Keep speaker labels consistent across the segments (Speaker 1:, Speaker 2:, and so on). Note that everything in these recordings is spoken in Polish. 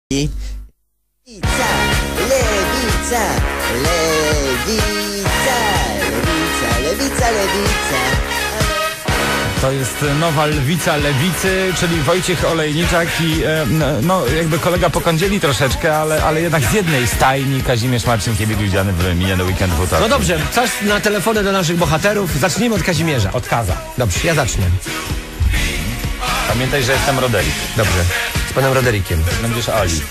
Speaker 1: Lewica, lewica, lewica, lewica, lewica, lewica.
Speaker 2: To jest nowa lwica lewicy, czyli Wojciech Olejniczak i no jakby kolega po kądzieli troszeczkę, ale jednak z jednej stajni Kazimierz Marcinkiewicz-Widziany w miniony weekend w utorek.
Speaker 3: No dobrze, czas na telefony do naszych bohaterów. Zacznijmy od Kazimierza.
Speaker 2: Od Kaza.
Speaker 3: Dobrze, ja zacznę.
Speaker 2: Pamiętaj, że jestem Roderick.
Speaker 3: Dobrze, z panem Roderikiem.
Speaker 2: Będziesz Ali.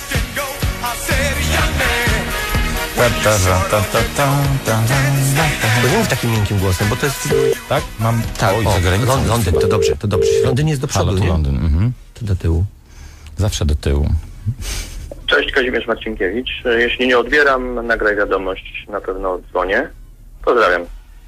Speaker 3: Bo nie mów takim miękkim głosem, bo to jest...
Speaker 2: Tak? Mam...
Speaker 3: Tak,
Speaker 2: Oj,
Speaker 3: o,
Speaker 2: za granicą.
Speaker 3: Londyn, to dobrze, to dobrze. Londyn jest do przodu,
Speaker 2: Halo,
Speaker 3: nie?
Speaker 2: Londyn,
Speaker 3: To do tyłu.
Speaker 2: Zawsze do tyłu.
Speaker 4: Cześć, Kazimierz Marcinkiewicz. Jeśli nie odbieram, nagraj wiadomość, na pewno odzwonię. Pozdrawiam.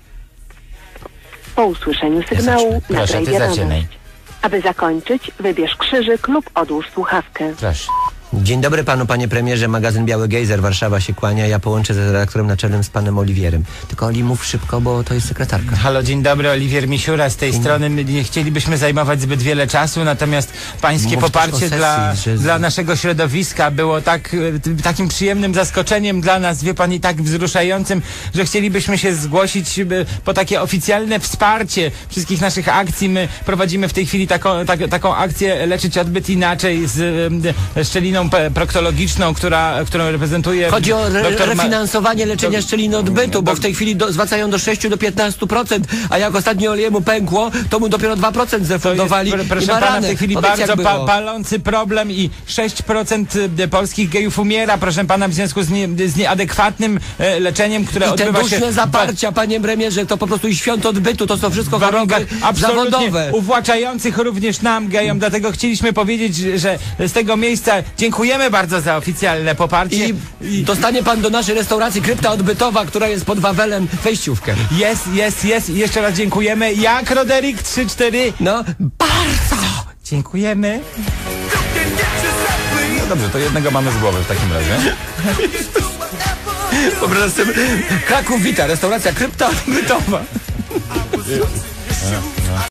Speaker 5: Po usłyszeniu sygnału nagraj
Speaker 2: ty zaczynaj.
Speaker 5: wiadomość. Aby zakończyć, wybierz krzyżyk lub odłóż słuchawkę.
Speaker 2: Proszę.
Speaker 3: Dzień dobry panu, panie premierze. Magazyn Biały Gejzer, Warszawa się kłania. Ja połączę z redaktorem naczelnym z panem Oliwierem. Tylko Oli, mów szybko, bo to jest sekretarka.
Speaker 6: Halo, dzień dobry, Oliwier Misiura z tej strony. Nie chcielibyśmy zajmować zbyt wiele czasu, natomiast pańskie
Speaker 3: Mów
Speaker 6: poparcie
Speaker 3: też o sesji,
Speaker 6: dla naszego środowiska było takim przyjemnym zaskoczeniem dla nas, wie pan, i tak wzruszającym, że chcielibyśmy się zgłosić po takie oficjalne wsparcie wszystkich naszych akcji. My prowadzimy w tej chwili taką akcję Leczyć Odbyt Inaczej z szczeliną proktologiczną, którą reprezentuje...
Speaker 3: Chodzi o
Speaker 6: doktor
Speaker 3: refinansowanie leczenia szczeliny odbytu, bo w tej chwili zwracają do 6 do 15%, a jak ostatnio Oliemu pękło, to mu dopiero 2% zrefundowali.
Speaker 6: Proszę pana, w tej chwili bardzo palący problem i 6% polskich gejów umiera, proszę pana, w związku z nieadekwatnym leczeniem, które odbywa się...
Speaker 3: I te duszne zaparcia, panie premierze, to po prostu i świąt odbytu, to są wszystko choroby zawodowe.
Speaker 6: Uwłaczających również nam, gejom, dlatego chcieliśmy powiedzieć, że z tego miejsca dziękujemy bardzo za oficjalne poparcie.
Speaker 3: I dostanie pan do naszej restauracji Krypta Odbytowa, która jest pod Wawelem, wejściówkę.
Speaker 6: Jest. I jeszcze raz dziękujemy. Jak Roderick 3-4?
Speaker 3: No, bardzo!
Speaker 6: Dziękujemy.
Speaker 2: No dobrze, to jednego mamy z głowy w takim razie.
Speaker 3: Wyobraź sobie, Kraków wita, restauracja Krypta Odbytowa.